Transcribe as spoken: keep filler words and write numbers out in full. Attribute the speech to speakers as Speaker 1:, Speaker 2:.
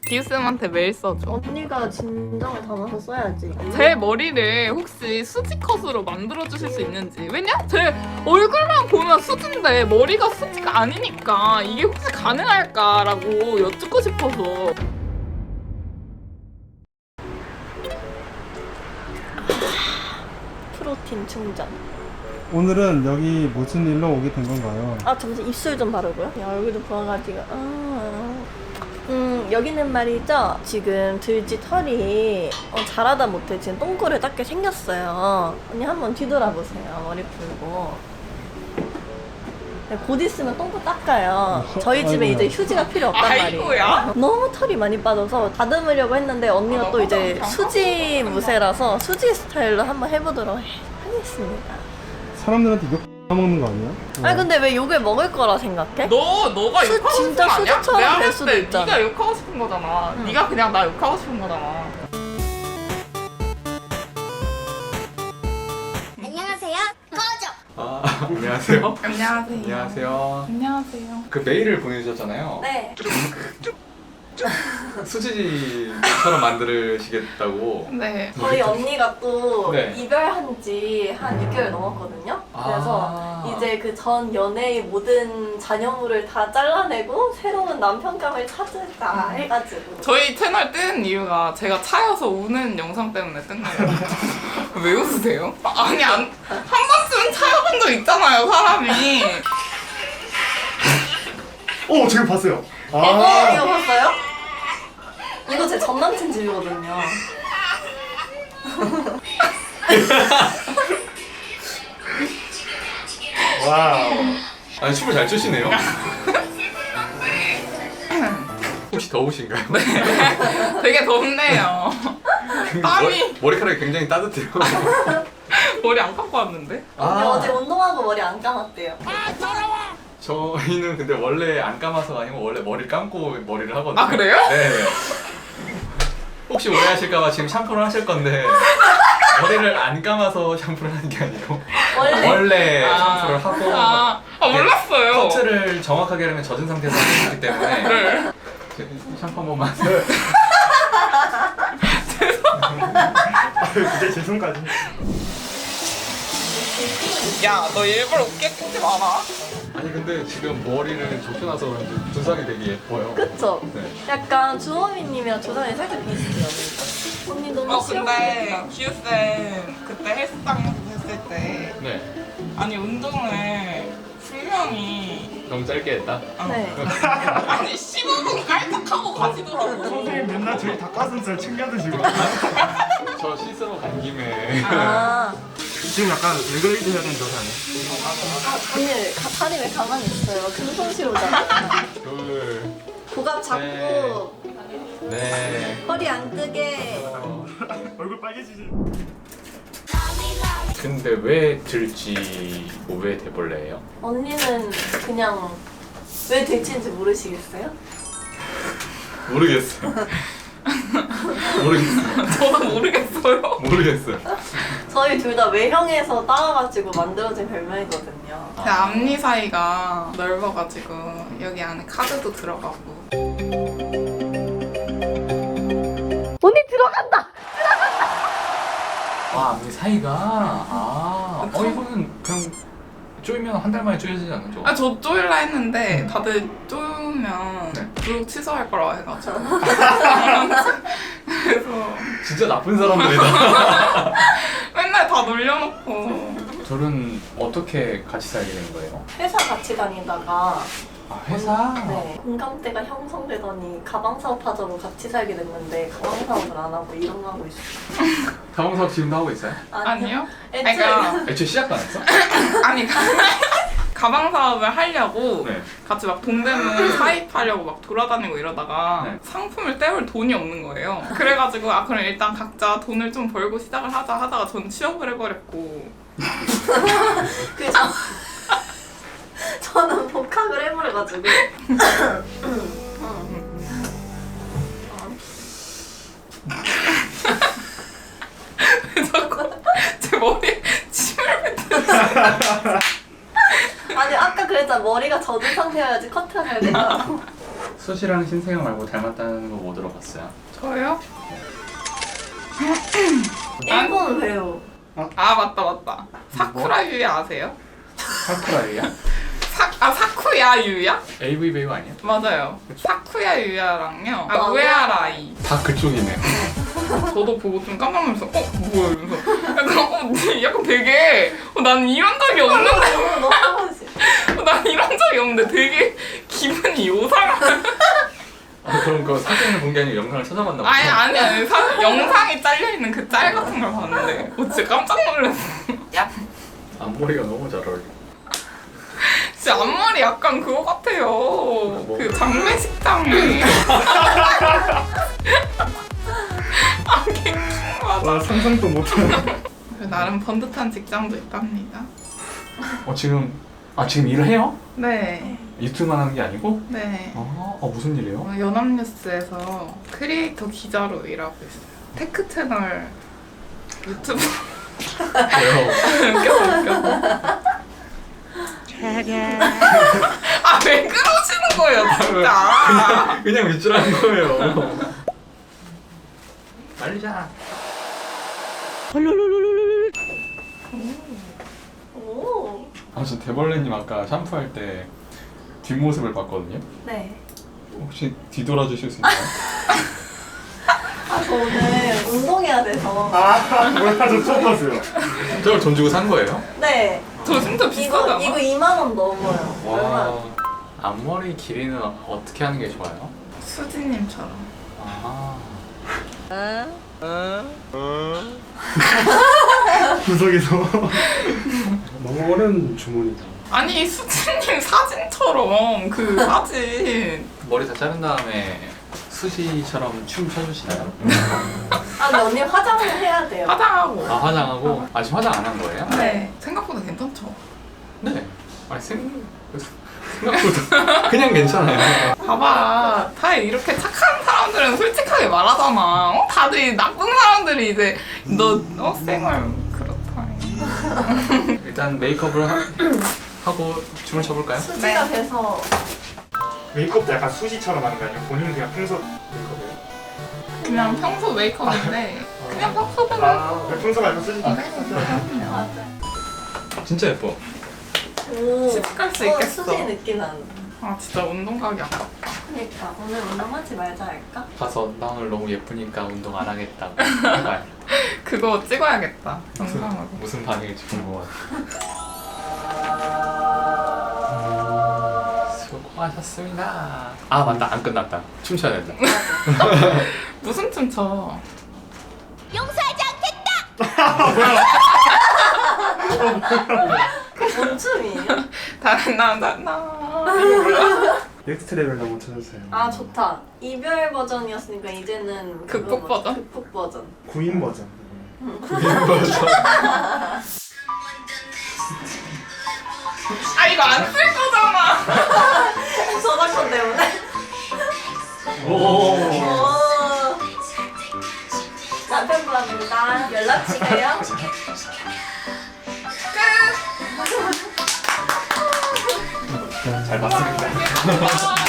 Speaker 1: 기우쌤한테 메일 써줘.
Speaker 2: 언니가 진정을 담아서 써야지.
Speaker 1: 제 머리를 혹시 수지컷으로 만들어주실 수 있는지. 왜냐? 제 얼굴만 보면 수지인데 머리가 수지가 아니니까 이게 혹시 가능할까라고 여쭙고 싶어서.
Speaker 2: 프로틴 충전.
Speaker 3: 오늘은 여기 무슨 일로 오게 된 건가요?
Speaker 2: 아 잠시 입술 좀 바르고요. 야, 얼굴도 부어가지고. 아. 음 여기는 말이죠. 지금 들쥐 털이 어, 잘하다 못해 지금 똥꼬를 닦게 생겼어요. 언니 한번 뒤돌아보세요. 머리 풀고. 네, 곧 있으면 똥꼬 닦아요. 저희 집에
Speaker 3: 아이고야.
Speaker 2: 이제 휴지가 필요 없단 말이에요.
Speaker 1: 아이고야.
Speaker 2: 너무 털이 많이 빠져서 다듬으려고 했는데 언니가 또 이제 수지 무새라서 수지 스타일로 한번 해보도록 하겠습니다.
Speaker 3: 사람들한테 욕 먹는 거 아니야?
Speaker 2: 아니 근데 왜 욕을 먹을 거라 생각해?
Speaker 1: 너 너가
Speaker 2: 수-
Speaker 1: 욕하고 싶은
Speaker 2: 진짜
Speaker 1: 거 아니야?
Speaker 2: 수지처럼
Speaker 1: 내가
Speaker 2: 될
Speaker 1: 봤을
Speaker 2: 수도
Speaker 1: 때
Speaker 2: 있잖아.
Speaker 1: 네가 욕하고 싶은 거잖아.
Speaker 2: 응.
Speaker 1: 네가 그냥 나 욕하고 싶은 거잖아.
Speaker 4: 안녕하세요. 꺼져.
Speaker 5: 아, 안녕하세요.
Speaker 1: 안녕하세요.
Speaker 5: 안녕하세요.
Speaker 1: 안녕하세요.
Speaker 5: 그 메일을 보내주셨잖아요.
Speaker 2: 네.
Speaker 5: 수지처럼 만드시겠다고.
Speaker 1: 네.
Speaker 2: 저희 언니가 또
Speaker 5: 네.
Speaker 2: 이별한 지 한 육 개월 넘었거든요. 그래서
Speaker 5: 아.
Speaker 2: 이제 그 전 연애의 모든 잔여물을 다 잘라내고 새로운 남편감을 찾을까 해가지고.
Speaker 1: 저희 채널 뜬 이유가 제가 차여서 우는 영상 때문에 뜬 거예요. 왜 웃으세요? 아니 안, 한 번쯤은 차여본 적 있잖아요, 사람이.
Speaker 3: 오, 지금 봤어요.
Speaker 2: 어, 이거 봤어요? 이거 제 전 남친 집이거든요.
Speaker 3: 와우.
Speaker 5: 아니, 춤을 잘 추시네요. 혹시 더우신가요?
Speaker 1: 되게 덥네요. 땀이.
Speaker 5: 머리, 머리카락이 굉장히 따뜻해요.
Speaker 1: 머리 안 감고 왔는데?
Speaker 2: 언니
Speaker 5: 아,
Speaker 2: 어제 운동하고 머리 안 감았대요.
Speaker 5: 저희는 근데 원래 안 감아서가 아니고 원래 머리를 감고 머리를 하거든요.
Speaker 1: 아, 그래요?
Speaker 5: 네. 혹시 오해하실까봐 지금 샴푸를 하실 건데 머리를 안 감아서 샴푸를 하는 게 아니고
Speaker 2: 원래?
Speaker 5: 원래
Speaker 1: 아.
Speaker 5: 샴푸를 하고
Speaker 1: 아, 아
Speaker 5: 이게
Speaker 1: 몰랐어요.
Speaker 5: 커트를 정확하게 하려면 젖은 상태에서 하기 때문에
Speaker 1: 네.
Speaker 5: 샴푸 한 번만.
Speaker 3: 그게 제 손까지.
Speaker 1: 야, 너 일부러 웃게 끄지 마라.
Speaker 5: 아니 근데 지금 머리를 좁혀놔서 그런지 두상이 되게 예뻐요.
Speaker 2: 그쵸?
Speaker 5: 네.
Speaker 2: 약간 주호민님이랑 조상이 살짝 비슷해요. 언니 너무
Speaker 1: 어, 근데
Speaker 2: 시원하겠다.
Speaker 1: 기우쌤 그때 헬스장에서 했을 때
Speaker 5: 네.
Speaker 1: 아니 운동을 분명히
Speaker 5: 너무 짧게 했다.
Speaker 2: 네.
Speaker 1: 아니 십오 분 깔짝하고 가시더라고.
Speaker 3: 선생님 맨날 저희 닭가슴살 챙겨 드시고.
Speaker 5: 저 씻으러 간 김에.
Speaker 2: 아,
Speaker 3: 지금 약간 레그레이드 해야 되는 거 아니에요?
Speaker 2: 언니 가, 다리 왜 가만히 있어요? 금손실 오잖아.
Speaker 5: 둘.
Speaker 2: 고갑 잡고
Speaker 5: 네.
Speaker 2: 허리 안 뜨게.
Speaker 3: 얼굴 빨개지지.
Speaker 5: 근데 왜 들쥐 왜 대벌레예요?
Speaker 2: 언니는 그냥 왜 될지인지 모르시겠어요?
Speaker 5: 모르겠어요. 모르겠어요.
Speaker 1: 저도 모르겠어요.
Speaker 5: 모르겠어요.
Speaker 2: 저희 둘 다 외형에서 따와가지고 만들어진 별명이거든요.
Speaker 1: 제 앞니 사이가 넓어가지고 여기 안에 카드도 들어가고.
Speaker 2: 언니 들어간다!
Speaker 5: 아, 앞니 사이가. 아, 어 이거는 그냥 쪼이면 한 달 만에 쪼여지지 않죠?
Speaker 1: 아, 저 쪼일라 했는데 다들 쪼으면
Speaker 5: 네.
Speaker 1: 구독 취소할 거라고 해가지고. 그래서
Speaker 5: 진짜 나쁜 사람들이다.
Speaker 1: 맨날 다 놀려놓고.
Speaker 5: 둘은 어떻게 같이 살게 된 거예요?
Speaker 2: 회사 같이 다니다가
Speaker 5: 아, 회사?
Speaker 2: 네, 공감대가 형성되더니 가방 사업하자고 같이 살게 됐는데 가방 사업을 안 하고 이런 거 하고 있어요.
Speaker 5: 가방 사업 지금도 하고 있어요?
Speaker 1: 아니요?
Speaker 2: 애초에
Speaker 1: 그러니까
Speaker 5: 애초에 시작도 안 했어?
Speaker 1: 아니 가방 사업을 하려고
Speaker 5: 네.
Speaker 1: 같이 막 동대문 사입하려고 막 돌아다니고 이러다가
Speaker 5: 네.
Speaker 1: 상품을 떼올 돈이 없는 거예요. 그래가지고 아 그럼 일단 각자 돈을 좀 벌고 시작을 하자 하다가 전 취업을 해버렸고.
Speaker 2: 그 저, 저는 복학을 해버려가지고
Speaker 1: 자꾸 제 머리에 침을 뱉는.
Speaker 2: 아니 아까 그랬잖아 머리가 젖은 상태여야지 커트가 잘 된다고.
Speaker 5: 수지랑 신세경 말고 닮았다는 거 뭐 들어봤어요?
Speaker 1: 저요?
Speaker 2: 일본 배우.
Speaker 1: 아 맞다 맞다. 사쿠라 유야 아세요?
Speaker 5: 사쿠라유야?
Speaker 1: 사, 아 사쿠야 유야?
Speaker 5: 에이브이 배우 아니야?
Speaker 1: 맞아요. 사쿠야 유야랑요. 아
Speaker 2: 어,
Speaker 1: 우에하라이.
Speaker 5: 다 그쪽이네.
Speaker 1: 저도 보고 좀 깜짝 놀라서 어? 뭐야 이러면서 약간 어, 약간 되게 어, 난 이런 적이 없는데
Speaker 2: 너무 너무
Speaker 1: 어, 난 이런 적이 없는데 되게 기분이 요상한
Speaker 5: 아, 그럼 그 사진을 본 게 아니고 영상을 찾아봤나 보다.
Speaker 1: 아니 아니 아니 사, 영상이 잘려있는 그 짤 같은 걸 봤는데 어, 진짜 깜짝 놀랐어. 야
Speaker 5: 앞머리가 너무 잘 어울려.
Speaker 1: 진짜 앞머리 약간 그거 같아요. 그 장례식장에 아 킹받아.
Speaker 3: 와 상상도 못하네.
Speaker 1: 나름 번듯한 직장도 있답니다.
Speaker 5: 어 지금 아 지금 일을 해요?
Speaker 1: 네.
Speaker 5: 유튜브만 하는 게 아니고?
Speaker 1: 네.
Speaker 5: 아, 어 무슨 일이에요?
Speaker 1: 어, 연합뉴스에서 크리에이터 기자로 일하고 있어요. 테크 채널 유튜브
Speaker 5: 왜요?
Speaker 1: 웃겨서 웃겨서. 아 왜 그러시는 거예요 진짜.
Speaker 5: 그냥 밑줄하는 거예요. 말리자.
Speaker 2: 오.
Speaker 5: 아 저 대벌레님 아까 샴푸할 때 뒷모습을 봤거든요.
Speaker 2: 네.
Speaker 5: 혹시 뒤돌아 주실 수 있나요?
Speaker 2: 아, 저 오늘 운동해야 돼서.
Speaker 3: 아 뭐야 저 처음 봤어요.
Speaker 5: 저걸 돈 주고 산 거예요?
Speaker 2: 네.
Speaker 1: 저 진짜
Speaker 2: 이거
Speaker 1: 비싸잖아.
Speaker 2: 이거 이만 원 넘어요. 얼마?
Speaker 5: 와. 앞머리 길이는 어떻게 하는 게 좋아요?
Speaker 1: 수지님처럼.
Speaker 5: 아.
Speaker 3: 구석에서 너무 어려운 주문이다.
Speaker 1: 아니 수지님 사진처럼 그 사진.
Speaker 5: 머리 다 자른 다음에 수지처럼 춤 춰주시나요?
Speaker 2: 아, 근데 언니 화장을 해야 돼요.
Speaker 1: 화장하고.
Speaker 5: 아 화장하고? 아 지금 화장 안 한 거예요?
Speaker 1: 네. 생각보다 괜찮죠.
Speaker 5: 네. 아니 생... 생각보다 그냥 괜찮아요.
Speaker 1: 봐봐. 다 이렇게 착한 사람들은 솔직하게 말하잖아. 어? 다들 나쁜 사람들이 이제 너 어? 생얼 그렇다.
Speaker 5: 일단 메이크업을 하, 하고 춤을 춰볼까요?
Speaker 2: 수지가
Speaker 1: 네.
Speaker 2: 돼서
Speaker 3: 메이크업도 약간 수지처럼 하는 거 아니에요? 본인 그냥 평소 메이크업이에요?
Speaker 1: 그냥 평소 메이크업인데 그냥 평소대로
Speaker 3: 아 평소가 약간 수지.
Speaker 2: 맞아요.
Speaker 5: 진짜 예뻐.
Speaker 2: 오.
Speaker 1: 집 갈 수
Speaker 2: 어,
Speaker 1: 있겠어.
Speaker 2: 수지 느낌 나는.
Speaker 1: 아 진짜 운동 가기 아깝다.
Speaker 2: 그러니까 오늘 운동하지 말자 할까?
Speaker 5: 가서 나 오늘 너무 예쁘니까 운동 안 하겠다고 해봐요.
Speaker 1: 그거 찍어야겠다. 영상으로.
Speaker 5: 무슨 반응일지 궁금하다. 수고하셨습니다. 아 맞다 안 끝났다. 춤춰야 된다.
Speaker 1: 무슨 춤 춰?
Speaker 4: 용서하지 않겠다.
Speaker 2: 뭔 춤이에요?
Speaker 1: 다른 나나나.
Speaker 3: 넥스트 레벨 너무 찾았어요.
Speaker 2: 아 좋다. 이별 버전이었으니까 이제는
Speaker 1: 극복
Speaker 2: 그거
Speaker 1: 버전?
Speaker 2: 극복 버전.
Speaker 3: 구인 버전.
Speaker 1: 아 이거 안 쓸 거잖아.
Speaker 2: 저작권 때문에.
Speaker 5: 오.
Speaker 2: 오. 남편분입니다. 연락 주세요.
Speaker 5: 잘 봤습니다.
Speaker 1: 끝.